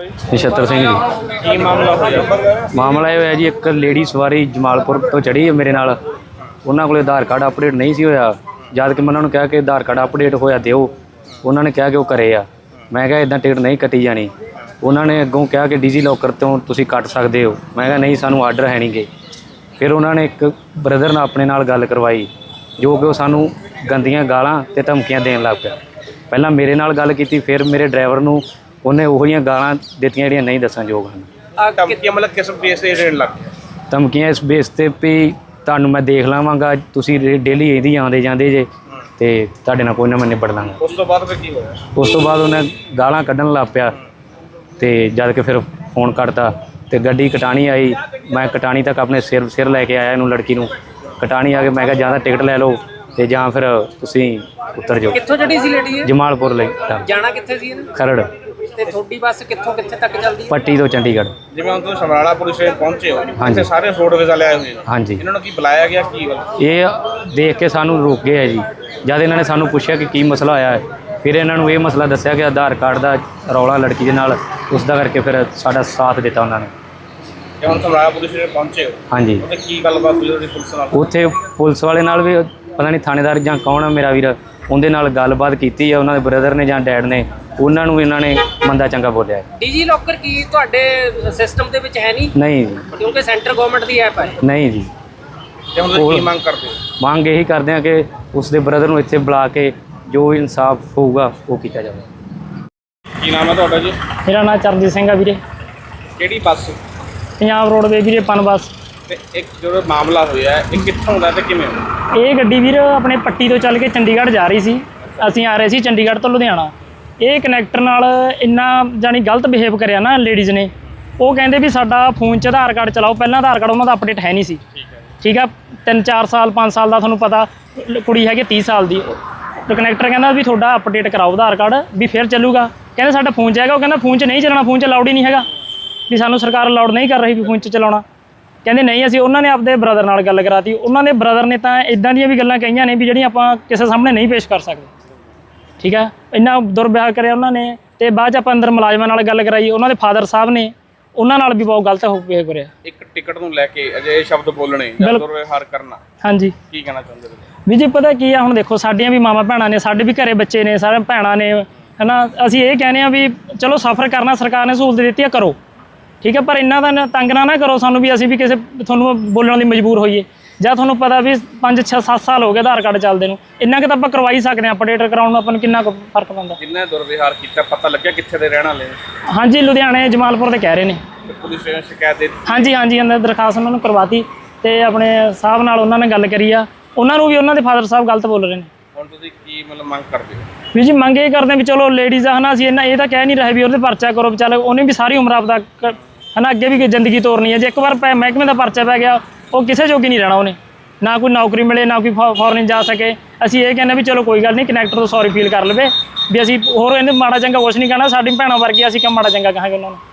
ਨਛੱਤਰ ਸਿੰਘ ਜੀ। ਕੀ ਮਾਮਲਾ ਹੋਇਆ? ਮਾਮਲਾ ਇਹ ਹੋਇਆ ਜੀ, ਇੱਕ ਲੇਡੀ ਸਵਾਰੀ ਜਮਾਲਪੁਰ ਤੋਂ ਚੜ੍ਹੀ ਹੈ ਮੇਰੇ ਨਾਲ। ਉਹਨਾਂ ਕੋਲ ਆਧਾਰ ਕਾਰਡ ਅਪਡੇਟ ਨਹੀਂ ਸੀ ਹੋਇਆ। ਜਦ ਕਿ ਮੈਂ ਉਹਨਾਂ ਨੂੰ ਕਿਹਾ ਕਿ ਆਧਾਰ ਕਾਰਡ ਅਪਡੇਟ ਹੋਇਆ ਦਿਓ। ਉਹਨਾਂ ਨੇ ਕਿਹਾ ਕਿ ਉਹ ਘਰੇ ਆ। ਮੈਂ ਕਿਹਾ ਇੱਦਾਂ ਟਿਕਟ ਨਹੀਂ ਕੱਟੀ ਜਾਣੀ। ਉਹਨਾਂ ਨੇ ਅੱਗੋਂ ਕਿਹਾ ਕਿ ਡੀਜੀ ਲੋਕਰ ਤੋਂ ਤੁਸੀਂ ਕੱਟ ਸਕਦੇ ਹੋ। ਮੈਂ ਕਿਹਾ ਨਹੀਂ, ਸਾਨੂੰ ਆਰਡਰ ਹੈ ਨਹੀਂ ਗੇ। ਫਿਰ ਉਹਨਾਂ ਨੇ ਇੱਕ ਬ੍ਰਦਰ ਨਾਲ ਆਪਣੇ ਨਾਲ ਗੱਲ ਕਰਵਾਈ, ਜੋ ਕਿ ਉਹ ਸਾਨੂੰ ਗੰਦੀਆਂ ਗਾਲਾਂ ਅਤੇ ਧਮਕੀਆਂ ਦੇਣ ਲੱਗ ਪਿਆ। ਪਹਿਲਾਂ ਮੇਰੇ ਨਾਲ ਗੱਲ ਕੀਤੀ, ਫਿਰ ਮੇਰੇ ਡਰਾਈਵਰ ਨੂੰ ਉਹਨੇ ਉਹੋ ਜਿਹੀਆਂ ਗਾਲਾਂ ਦਿੱਤੀਆਂ ਜਿਹੜੀਆਂ ਨਹੀਂ ਦੱਸਣਯੋਗ ਹਨ। ਧਮਕੀਆਂ ਮਤਲਬ ਕਿਸ ਬੇਸ ਤੇ ਦੇਣ ਲੱਗ ਗਿਆ? ਧਮਕੀਆਂ ਇਸ ਬੇਸ 'ਤੇ ਵੀ ਤੁਹਾਨੂੰ ਮੈਂ ਦੇਖ ਲਵਾਂਗਾ, ਤੁਸੀਂ ਡੇਲੀ ਇਹਦੀ ਆਉਂਦੇ ਜਾਂਦੇ ਜੇ ਅਤੇ ਤੁਹਾਡੇ ਨਾਲ ਕੋਈ ਨਾ ਮੈਂ ਨਿਬੜ ਲਾਂਗਾ। ਉਸ ਤੋਂ ਬਾਅਦ ਫਿਰ ਕੀ ਹੋਇਆ? ਉਸ ਤੋਂ ਬਾਅਦ ਉਹਨੇ ਗਾਲਾਂ ਕੱਢਣ ਲੱਗ ਪਿਆ ਅਤੇ ਜਦ ਕਿ ਫਿਰ ਫੋਨ ਕੱਟਤਾ ਅਤੇ ਗੱਡੀ ਕਟਾਣੀ ਆਈ। ਮੈਂ ਕਟਾਣੀ ਤੱਕ ਆਪਣੇ ਸਿਰ ਲੈ ਕੇ ਆਇਆ ਇਹਨੂੰ, ਲੜਕੀ ਨੂੰ। ਕਟਾਣੀ ਆ ਕੇ ਮੈਂ ਕਿਹਾ ਜਾਂ ਤਾਂ ਟਿਕਟ ਲੈ ਲਓ ਅਤੇ ਜਾਂ ਫਿਰ ਤੁਸੀਂ ਉਤਰ ਜਾਓ। ਕਿੱਥੋਂ ਚੜੀ ਸੀ ਲੇਡੀ? ਜਮਾਲਪੁਰ ਲਈ ਜਾਣਾ ਕਿੱਥੇ ਸੀ ਇਹਨੇ? ਖਰੜ। ਤੇ ਤੁਹਾਡੀ ਬੱਸ ਕਿੱਥੋਂ ਕਿੱਥੇ ਤੱਕ ਚੱਲਦੀ ਹੈ? ਪੱਟੀ ਤੋਂ ਚੰਡੀਗੜ੍ਹ। ਜਿਵੇਂ ਹੁਣ ਤੁਸੀਂ ਸਮਰਾਲਾ ਪੁਲਿਸ ਸਟੇਸ਼ਨ ਪਹੁੰਚੇ ਹੋ, ਹਾਂਜੀ। ਇੱਥੇ ਸਾਰੇ ਫੋਟੋ ਵੀਜ਼ਾ ਲਿਆਏ ਹੋਏ ਨੇ। ਹਾਂਜੀ। ਇਹਨਾਂ ਨੂੰ ਕੀ ਬੁਲਾਇਆ ਗਿਆ, ਕੀ ਗੱਲ? ਇਹ ਦੇਖ ਕੇ ਸਾਨੂੰ ਰੋਕ ਗਏ ਹੈ ਜੀ। ਜਦ ਇਹਨਾਂ ਨੇ ਸਾਨੂੰ ਪੁੱਛਿਆ ਕਿ ਕੀ ਮਸਲਾ ਹੋਇਆ ਹੈ, ਫਿਰ ਇਹਨਾਂ ਨੂੰ ਇਹ ਮਸਲਾ ਦੱਸਿਆ ਕਿ ਆਧਾਰ ਕਾਰਡ ਦਾ ਰੌਲਾ ਲੜਕੀ ਦੇ ਨਾਲ, ਉਸ ਦਾ ਕਰਕੇ ਫਿਰ ਸਾਡਾ ਸਾਥ ਦਿੱਤਾ ਉਹਨਾਂ ਨੇ। ਤੇ ਹੁਣ ਸਮਰਾਲਾ ਪੁਲਿਸ ਸਟੇਸ਼ਨ ਪਹੁੰਚੇ ਹੋ? ਹਾਂਜੀ। ਉੱਥੇ ਕੀ ਗੱਲਬਾਤ ਹੋਈ ਉਹਦੀ ਪੁਲਿਸ ਨਾਲ? ਉੱਥੇ ਪੁਲਿਸ ਵਾਲੇ ਨਾਲ ਵੀ ਪਤਾ ਨਹੀਂ ਥਾਣੇਦਾਰ ਜਾਂ ਕੌਣ ਆ ਮੇਰਾ ਵੀਰ, ਉਹਦੇ ਨਾਲ ਗੱਲਬਾਤ ਕੀਤੀ ਆ। ਉਹਨਾਂ ਦੇ ਬ੍ਰਦਰ ਨੇ ਜਾਂ ਡੈਡ ਨੇ, ਉਹਨਾਂ ਨੂੰ ਇਹਨਾਂ ਨੇ ਮੰਦਾ ਚੰਗਾ ਬੋਲਿਆ ਹੈ। ਡੀਜੀ ਲੋਕਰ ਕੀ ਤੁਹਾਡੇ ਸਿਸਟਮ ਦੇ ਵਿੱਚ ਹੈ ਨਹੀਂ? ਨਹੀਂ ਜੀ, ਕਿਉਂਕਿ ਸੈਂਟਰ ਗਵਰਨਮੈਂਟ ਦੀ ਐਪ ਹੈ। ਨਹੀਂ ਜੀ। ਤੇ ਹੁਣ ਤੁਸੀਂ ਕੀ ਮੰਗ ਕਰਦੇ ਹੋ? ਮੰਗ ਇਹੀ ਕਰਦੇ ਆ ਕਿ ਉਸ ਦੇ ਬ੍ਰਦਰ ਨੂੰ ਇੱਥੇ ਬੁਲਾ ਕੇ ਜੋ ਇਨਸਾਫ ਹੋਊਗਾ ਉਹ ਕੀਤਾ ਜਾਵੇ। ਕੀ ਨਾਮ ਹੈ ਤੁਹਾਡਾ ਜੀ? ਮੇਰਾ ਨਾਮ ਚਰਨਜੀਤ ਸਿੰਘ ਆ ਵੀਰੇ। ਕਿਹੜੀ ਬੱਸ? ਪੰਜਾਬ ਰੋਡਵੇ ਵੀਰੇ, ਪਨ ਬੱਸ। ਤੇ ਇੱਕ ਜਿਹੜਾ ਮਾਮਲਾ ਹੋਇਆ ਇਹ ਕਿੱਥੋਂ ਦਾ ਤੇ ਕਿਵੇਂ ਹੋਇਆ? ਇਹ ਗੱਡੀ ਵੀਰ ਆਪਣੇ ਪੱਟੀ ਤੋਂ ਚੱਲ ਕੇ ਚੰਡੀਗੜ੍ਹ ਜਾ ਰਹੀ ਸੀ। ਅਸੀਂ ਆ ਰਹੇ ਸੀ ਚੰਡੀਗੜ੍ਹ ਤੋਂ ਲੁਧਿਆਣਾ। ਇਹ ਕਨੈਕਟਰ ਨਾਲ ਇੰਨਾ ਜਾਣੀ ਗਲਤ ਬਿਹੇਵ ਕਰਿਆ ਨਾ ਲੇਡੀਜ਼ ਨੇ। ਉਹ ਕਹਿੰਦੇ ਵੀ ਸਾਡਾ ਫੋਨ 'ਚ ਆਧਾਰ ਕਾਰਡ ਚਲਾਓ। ਪਹਿਲਾਂ ਆਧਾਰ ਕਾਰਡ ਉਹਨਾਂ ਦਾ ਅਪਡੇਟ ਹੈ ਨਹੀਂ ਸੀ। ਠੀਕ ਆ, 3-4 ਸਾਲ 5 ਸਾਲ ਦਾ ਤੁਹਾਨੂੰ ਪਤਾ, ਕੁੜੀ ਹੈਗੀ 30 ਸਾਲ ਦੀ। ਤੇ ਕਨੈਕਟਰ ਕਹਿੰਦਾ ਵੀ ਤੁਹਾਡਾ ਅਪਡੇਟ ਕਰਾਓ ਆਧਾਰ ਕਾਰਡ, ਵੀ ਫਿਰ ਚੱਲੂਗਾ। ਕਹਿੰਦੇ ਸਾਡਾ ਫੋਨ 'ਚ ਹੈਗਾ। ਉਹ ਕਹਿੰਦਾ ਫੋਨ 'ਚ ਨਹੀਂ ਚੱਲਣਾ, ਫੋਨ 'ਚ ਅਲਾਉਡ ਹੀ ਨਹੀਂ ਹੈਗਾ, ਵੀ ਸਾਨੂੰ ਸਰਕਾਰ ਅਲਾਉਡ ਨਹੀਂ ਕਰ ਰਹੀ ਵੀ ਫੋਨ 'ਚ ਚਲਾਉਣਾ। ਕਹਿੰਦੇ ਨਹੀਂ, ਅਸੀਂ ਉਹਨਾਂ ਨੇ ਆਪਦੇ ਬ੍ਰਦਰ ਨਾਲ ਗੱਲ ਕਰਾਤੀ। ਉਹਨਾਂ ਦੇ ਬ੍ਰਦਰ ਨੇ ਤਾਂ ਇੱਦਾਂ ਦੀਆਂ ਵੀ ਗੱਲਾਂ ਕਹੀਆਂ ਨੇ ਵੀ ਜਿਹੜੀਆਂ ਆਪਾਂ ਕਿਸੇ ਸਾਹਮਣੇ ਨਹੀਂ ਪੇਸ਼ ਕਰ ਸਕਦੇ। ਠੀਕ ਹੈ, ਇੰਨਾ ਦੁਰਵਿਵਹਾਰ ਕਰਿਆ ਉਹਨਾਂ ਨੇ। ਅਤੇ ਬਾਅਦ 'ਚ ਆਪਾਂ ਅੰਦਰ ਮੁਲਾਜ਼ਮਾਂ ਨਾਲ ਗੱਲ ਕਰਾਈ। ਉਹਨਾਂ ਦੇ ਫਾਦਰ ਸਾਹਿਬ ਨੇ, ਉਹਨਾਂ ਨਾਲ ਵੀ ਬਹੁਤ ਗਲਤ ਬਿਹੇਵ ਕਰਿਆ। ਇੱਕ ਟਿਕਟ ਨੂੰ ਲੈ ਕੇ ਅਜਿਹੇ ਸ਼ਬਦ ਬੋਲਣੇ ਜਾਂ ਦੁਰਵਿਵਹਾਰ ਕਰਨਾ, ਹਾਂਜੀ, ਕੀ ਕਹਿਣਾ ਚਾਹੁੰਦੇ ਹੋ? ਵੀ ਜੀ ਪਤਾ ਕੀ ਆ, ਹੁਣ ਦੇਖੋ ਸਾਡੀਆਂ ਵੀ ਮਾਵਾਂ ਭੈਣਾਂ ਨੇ, ਸਾਡੇ ਵੀ ਘਰੇ ਬੱਚੇ ਨੇ, ਸਾਰੇ ਭੈਣਾਂ ਨੇ, ਹੈ ਨਾ। ਅਸੀਂ ਇਹ ਕਹਿੰਦੇ ਹਾਂ ਵੀ ਚਲੋ ਸਫ਼ਰ ਕਰਨਾ, ਸਰਕਾਰ ਨੇ ਸਹੂਲਤ ਦਿੱਤੀ ਆ, ਕਰੋ। ਠੀਕ ਹੈ, ਪਰ ਇੰਨਾ ਤਾਂ ਤੰਗ ਨਾ ਕਰੋ ਸਾਨੂੰ ਵੀ ਅਸੀਂ ਵੀ ਕਿਸੇ ਤੁਹਾਨੂੰ ਬੋਲਣ ਲਈ ਮਜਬੂਰ ਹੋਈਏ। ਜਾਂ ਤੁਹਾਨੂੰ ਪਤਾ ਵੀ 5-6-7 ਸਾਲ ਹੋ ਗਏ ਆਧਾਰ ਕਾਰਡ ਚੱਲਦੇ ਨੂੰ, ਇੰਨਾ ਕੁ ਤਾਂ ਆਪਾਂ ਕਰਵਾ ਹੀ ਸਕਦੇ ਹਾਂ। ਅਪਡੇਟ ਕਰਾਉਣ ਨੂੰ ਆਪਾਂ ਨੂੰ ਕਿੰਨਾ ਕੁ ਫਰਕ ਪੈਂਦਾ। ਕਿੰਨਾ ਦੁਰਵਿਵਹਾਰ ਕੀਤਾ, ਪਤਾ ਲੱਗਿਆ ਕਿੱਥੇ ਦੇ ਰਹਿਣ ਵਾਲੇ? ਹਾਂਜੀ, ਲੁਧਿਆਣੇ ਜਮਾਲਪੁਰ ਦੇ ਕਹਿ ਰਹੇ ਨੇ। ਪੁਲਿਸ ਸਟੇਸ਼ਨ ਸ਼ਿਕਾਇਤ ਦੇ? ਹਾਂਜੀ, ਅੰਦਰ ਦਰਖਾਸਤ ਉਹਨਾਂ ਨੂੰ ਕਰਵਾਤੀ ਅਤੇ ਆਪਣੇ ਸਾਹਿਬ ਨਾਲ ਉਹਨਾਂ ਨੇ ਗੱਲ ਕਰੀ ਆ। ਉਹਨਾਂ ਨੂੰ ਵੀ ਉਹਨਾਂ ਦੇ ਫਾਦਰ ਸਾਹਿਬ ਗਲਤ ਬੋਲ ਰਹੇ ਨੇ। ਹੁਣ ਤੁਸੀਂ ਕੀ ਮਤਲਬ ਮੰਗ ਕਰਦੇ ਹੋ? ਵੀ ਜੀ ਮੰਗ ਇਹ ਕਰਦੇ ਵੀ ਚਲੋ ਲੇਡੀਜ਼ ਆ, ਹੈ ਨਾ। ਅਸੀਂ ਇਹ ਤਾਂ ਕਹਿ ਨਹੀਂ ਰਹੇ ਵੀ ਉਹਦੇ ਪਰਚਾ ਕਰੋ। ਚੱਲ ਉਹਨੇ ਵੀ ਸਾਰੀ ਉਮਰ ਆਪਦਾ ਹੈ ਨਾ ਅੱਗੇ ਵੀ ਜ਼ਿੰਦਗੀ ਤੋਰਨੀ ਹੈ। ਜੇ ਇੱਕ ਵਾਰ ਮਹਿਕਮੇ ਦਾ ਪਰਚਾ ਪੈ ਗਿਆ, ਉਹ ਕਿਸੇ ਜੋਗੀ ਨਹੀਂ ਰਹਿਣਾ। ਉਹਨੇ ਨਾ ਕੋਈ ਨੌਕਰੀ ਮਿਲੇ, ਨਾ ਕੋਈ ਫੋਰਨ ਜਾ ਸਕੇ। ਅਸੀਂ ਇਹ ਕਹਿੰਦੇ ਵੀ ਚਲੋ ਕੋਈ ਗੱਲ ਨਹੀਂ, ਕਨੈਕਟਰ ਤੋਂ ਸੌਰੀ ਫੀਲ ਕਰ ਲਵੇ ਵੀ ਅਸੀਂ ਹੋਰ ਇਹਨੂੰ ਮਾੜਾ ਚੰਗਾ ਕੁਛ ਨਹੀਂ ਕਹਿਣਾ। ਸਾਡੀ ਭੈਣਾਂ ਵਰਗੀ, ਅਸੀਂ ਕਿਉਂ ਮਾੜਾ ਚੰਗਾ ਕਹਾਂਗੇ ਉਹਨਾਂ ਨੂੰ।